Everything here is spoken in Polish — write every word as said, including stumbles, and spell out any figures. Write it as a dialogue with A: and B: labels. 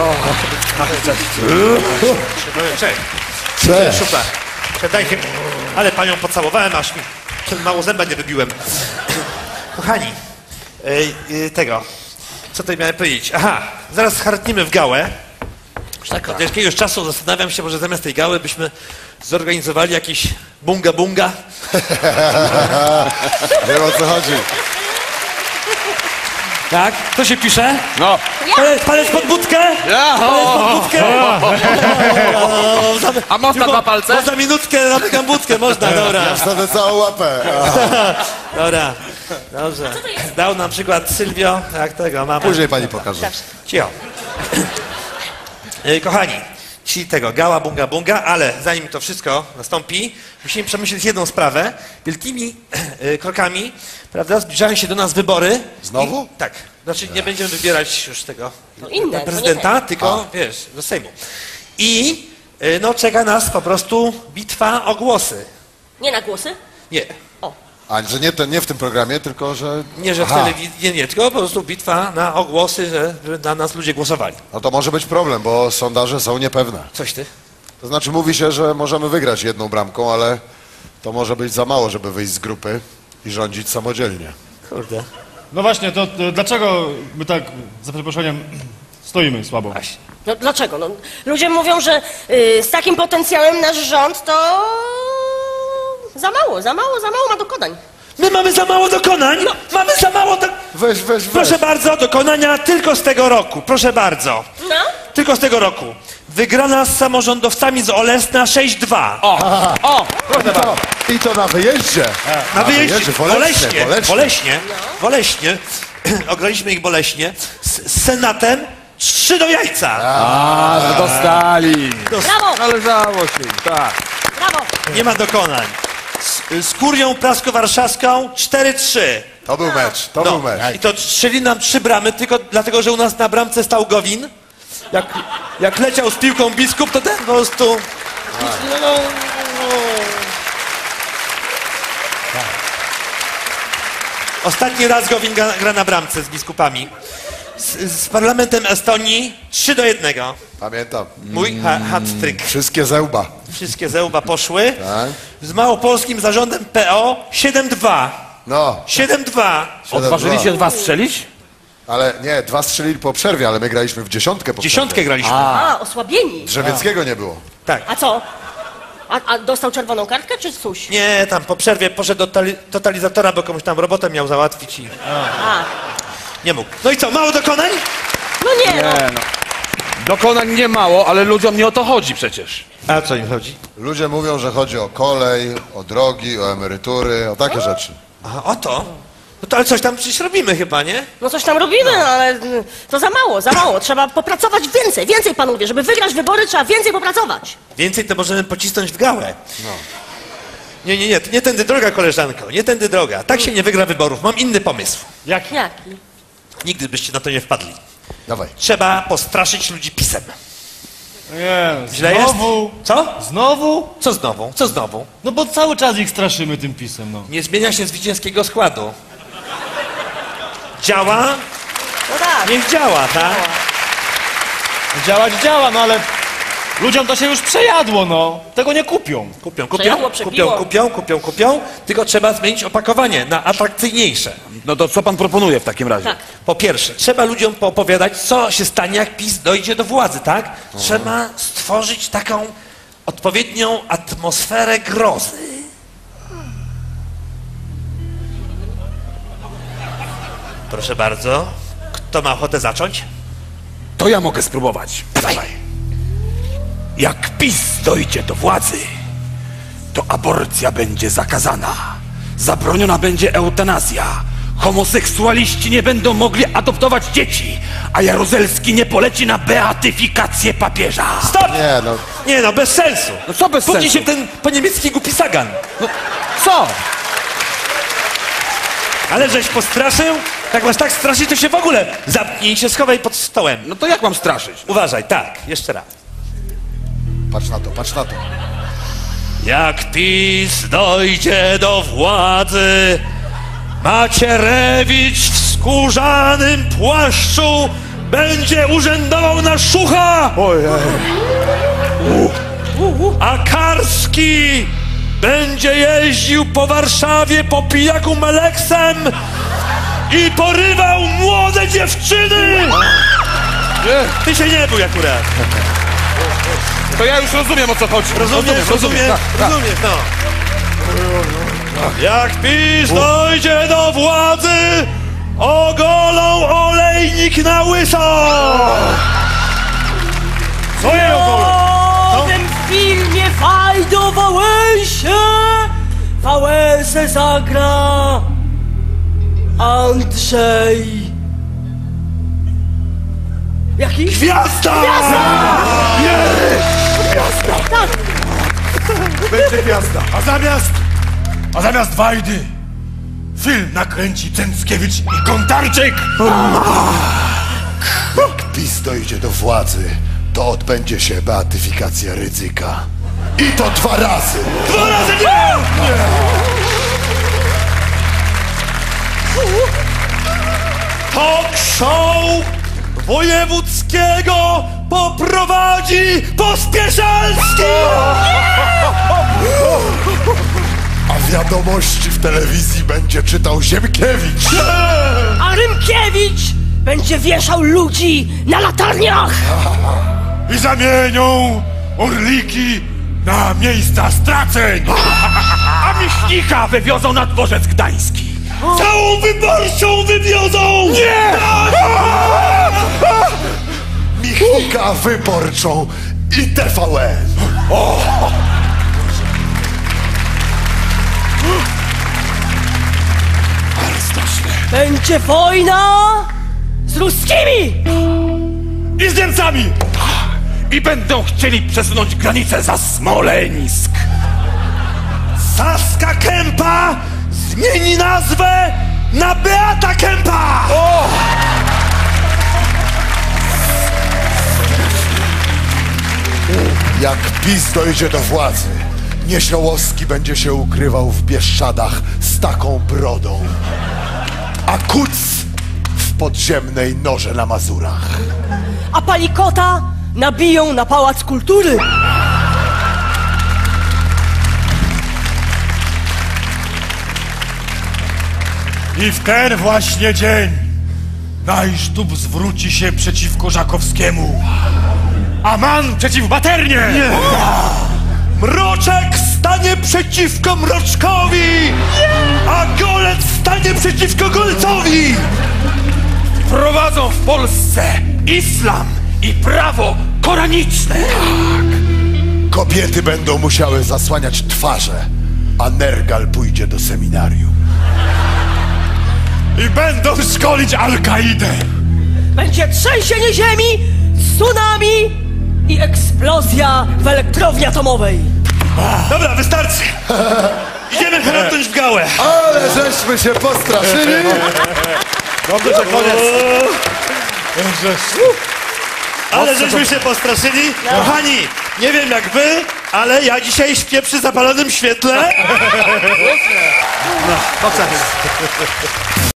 A: Cześć.
B: Cześć.
A: Super. Dajcie, ale panią pocałowałem, aż mi mało zęba nie wybiłem. Kochani, yy, tego, co tutaj miałem powiedzieć? Aha, zaraz hartnimy w gałę. Tak, od jakiegoś czasu zastanawiam się, może zamiast tej gały byśmy zorganizowali jakiś bunga bunga.
B: Wiem, o co chodzi.
A: Tak? Co się pisze?
C: No.
A: Palec, palec pod budkę?
C: Ja.
A: Palec pod budkę? O, za-
C: A można dwa palce?
A: Można minutkę, zamykam budkę, można, dobra.
B: Ja wsadzę całą łapę.
A: Dobra, dobrze. Dał nam przykład Sylwio, jak tego, mama.
B: Później pani pokaże.
A: Cicho. E, Kochani, ci tego, gała, bunga, bunga, ale zanim to wszystko nastąpi, musimy przemyśleć jedną sprawę. Wielkimi e, krokami, prawda, zbliżają się do nas wybory.
B: Znowu?
A: I, tak, znaczy nie będziemy wybierać już tego
D: No inne, to
A: prezydenta,
D: nie
A: tylko, wiesz, do Sejmu. I e, no czeka nas po prostu bitwa o głosy.
D: Nie na głosy?
A: Nie,
B: A, że nie, ten, nie w tym programie, tylko że...
A: nie, że w
B: Aha.
A: telewizji, nie, nie, tylko po prostu bitwa na ogłosy, że, że na nas ludzie głosowali.
B: No to może być problem, bo sondaże są niepewne.
A: Coś ty?
B: To znaczy mówi się, że możemy wygrać jedną bramką, ale to może być za mało, żeby wyjść z grupy i rządzić samodzielnie.
A: Kurde.
E: No właśnie, to, to dlaczego my tak, za przeproszeniem, stoimy słabo?
A: Właśnie.
D: No dlaczego? No, ludzie mówią, że y, z takim potencjałem nasz rząd to za mało, za mało, za mało ma dokonań.
A: My mamy za mało dokonań?
D: No.
A: Mamy za mało do...
B: Weź, weź, weź.
A: Proszę bardzo, dokonania tylko z tego roku. Proszę bardzo.
D: No?
A: Tylko z tego roku. Wygrana z samorządowcami z Olesna sześć dwa.
C: O, o,
B: I to, I to na wyjeździe.
A: Na wyjeździe.
B: w
A: W
B: Oleśnie,
A: Oleśnie.
B: w Oleśnie.
A: W Oleśnie. W Oleśnie. Ograliśmy ich boleśnie. Z, z Senatem trzy do jajca.
C: a, no dostali.
D: Brawo,
C: Należało się im, tak.
D: brawo.
A: Nie ma dokonań. Z, z Kurią Prasko-Warszawską cztery trzy.
B: To był mecz, to
A: No.
B: był mecz.
A: I to strzeli nam trzy bramy, tylko dlatego, że u nas na bramce stał Gowin. Jak, jak leciał z piłką biskup, to ten po prostu... No, no, no. Ostatni raz Gowin gra, gra na bramce z biskupami. Z, z parlamentem Estonii trzy do jednego.
B: Pamiętam.
A: Mój ha, hat-trick.
B: Wszystkie zełba.
A: Wszystkie zełba poszły.
B: Tak.
A: Z małopolskim zarządem P O siedem dwa.
B: No,
A: siedem dwa.
C: Odważyli się dwa strzelić?
B: ale nie, dwa strzelili po przerwie, ale my graliśmy w dziesiątkę po
A: Dziesiątkę
B: przerwie.
A: graliśmy.
D: A, osłabieni.
B: Drzewieckiego nie było.
A: Tak.
D: A co? A, a dostał czerwoną kartkę, czy coś?
A: Nie, tam po przerwie poszedł do totali- totalizatora, bo komuś tam robotę miał załatwić i
D: A,
A: nie mógł. No i co, mało dokonań?
D: no nie, no.
C: Nie, no. Dokonań nie mało, ale ludziom nie o to chodzi przecież.
A: A o co im chodzi?
B: Ludzie mówią, że chodzi o kolej, o drogi, o emerytury, o takie rzeczy.
A: A o to? No to ale coś tam przecież robimy chyba, nie?
D: No coś tam robimy, no. ale y, to za mało, za mało. Trzeba popracować więcej, więcej panowie. Żeby wygrać wybory, trzeba więcej popracować.
A: Więcej to możemy pocisnąć w gałę. Nie, nie, nie, nie tędy droga, koleżanko, nie tędy droga. Tak się nie wygra wyborów. Mam inny pomysł.
E: Jaki?
D: Jaki?
A: Nigdy byście na to nie wpadli.
B: Dawaj.
A: Trzeba postraszyć ludzi pisem.
E: Nie,
A: Źle
E: znowu?
A: jest? Co?
E: Znowu?
A: Co znowu? Co znowu?
E: No bo cały czas ich straszymy tym pisem, no.
A: Nie zmienia się zwycięskiego składu. Działa?
D: No tak.
A: Niech działa, tak?
E: Działać działa, no ale ludziom to się już przejadło, no. Tego nie kupią.
A: Kupią, kupią,
D: Przejadło,
A: kupią,
D: przepiło.
A: kupią, kupią, kupią, tylko trzeba zmienić opakowanie na atrakcyjniejsze.
C: No to co pan proponuje w takim razie?
D: Tak.
A: Po pierwsze, trzeba ludziom poopowiadać, co się stanie, jak PiS dojdzie do władzy, tak? Trzeba stworzyć taką odpowiednią atmosferę grozy. Proszę bardzo, kto ma ochotę zacząć?
C: To ja mogę spróbować.
A: Dawaj.
C: Jak PiS dojdzie do władzy, to aborcja będzie zakazana. Zabroniona będzie eutanazja. Homoseksualiści nie będą mogli adoptować dzieci, a Jaruzelski nie poleci na beatyfikację papieża.
A: Stop!
B: Nie, no,
A: Nie no, bez sensu.
C: No co bez
A: Budzi
C: sensu?
A: się ten po niemiecki głupi sagan.
C: No, co?
A: Ale żeś postraszył? Jak masz tak straszyć, to się w ogóle zapnij się, schowaj pod stołem.
C: No to jak mam straszyć?
A: Uważaj, tak, jeszcze raz.
B: patrz na to, patrz na to.
A: Jak PiS dojdzie do władzy, Macierewicz w skórzanym płaszczu będzie urzędował na Szucha,
B: Ojej.
A: a Karski będzie jeździł po Warszawie po pijaku Meleksem i porywał młode dziewczyny! Ty się nie bój akurat.
C: To ja już rozumiem, o co chodzi.
A: Rozumiesz, rozumiem,
C: tak, tak.
A: rozumiesz, no. Jak PiS dojdzie do władzy, ogolą olejnik na łyso! Co je ogolą?
D: W tym filmie Fajdo Wałęsie Wałęsę zagra Andrzej. Jaki?
A: Gwiazda!
D: Tak.
C: Będzie gwiazda. A zamiast... A zamiast Wajdy film nakręci Cęckiewicz i Kontarczyk.
B: Jak PiS dojdzie do władzy, to odbędzie się beatyfikacja Rydzyka. I to dwa razy.
A: Dwa razy nie! Talk show wojewódzkiego poprowadzi Pospieszalski!
B: A wiadomości w telewizji będzie czytał Ziemkiewicz.
D: A Rymkiewicz będzie wieszał ludzi na latarniach.
C: I zamienią orliki na miejsca straceń. A Michnika wywiozą na dworzec gdański.
A: Całą wyborczą wywiozą!
C: Nie!
B: Michnika Wyborczą i T V N.
D: Będzie wojna z ruskimi.
C: I z Niemcami. I będą chcieli przesunąć granicę za Smoleńsk.
A: Saska Kępa zmieni nazwę na Beata Kępa!
B: Jak PiS dojdzie do władzy, Niesiołowski będzie się ukrywał w Bieszczadach z taką brodą, a Kuc w podziemnej norze na Mazurach.
D: A Palikota nabiją na Pałac Kultury.
C: I w ten właśnie dzień Najsztub zwróci się przeciwko Żakowskiemu, a Man przeciw Maternie. Nie.
A: Mroczek stanie przeciwko Mroczkowi, a Golec stanie przeciwko Golcowi!
C: Prowadzą w Polsce islam i prawo koraniczne.
B: Kobiety będą musiały zasłaniać twarze, a Nergal pójdzie do seminarium.
C: I będą szkolić Al-Kaidę.
D: Będzie trzęsienie ziemi, tsunami i eksplozja w elektrowni atomowej.
A: Dobra, wystarczy! Idziemy chrapnąć w gałę!
B: Ale żeśmy się postraszyli!
E: Dobrze, że koniec.
A: Ale żeśmy się postraszyli. Kochani, nie wiem jak wy, ale ja dzisiaj śpię przy zapalonym świetle. No,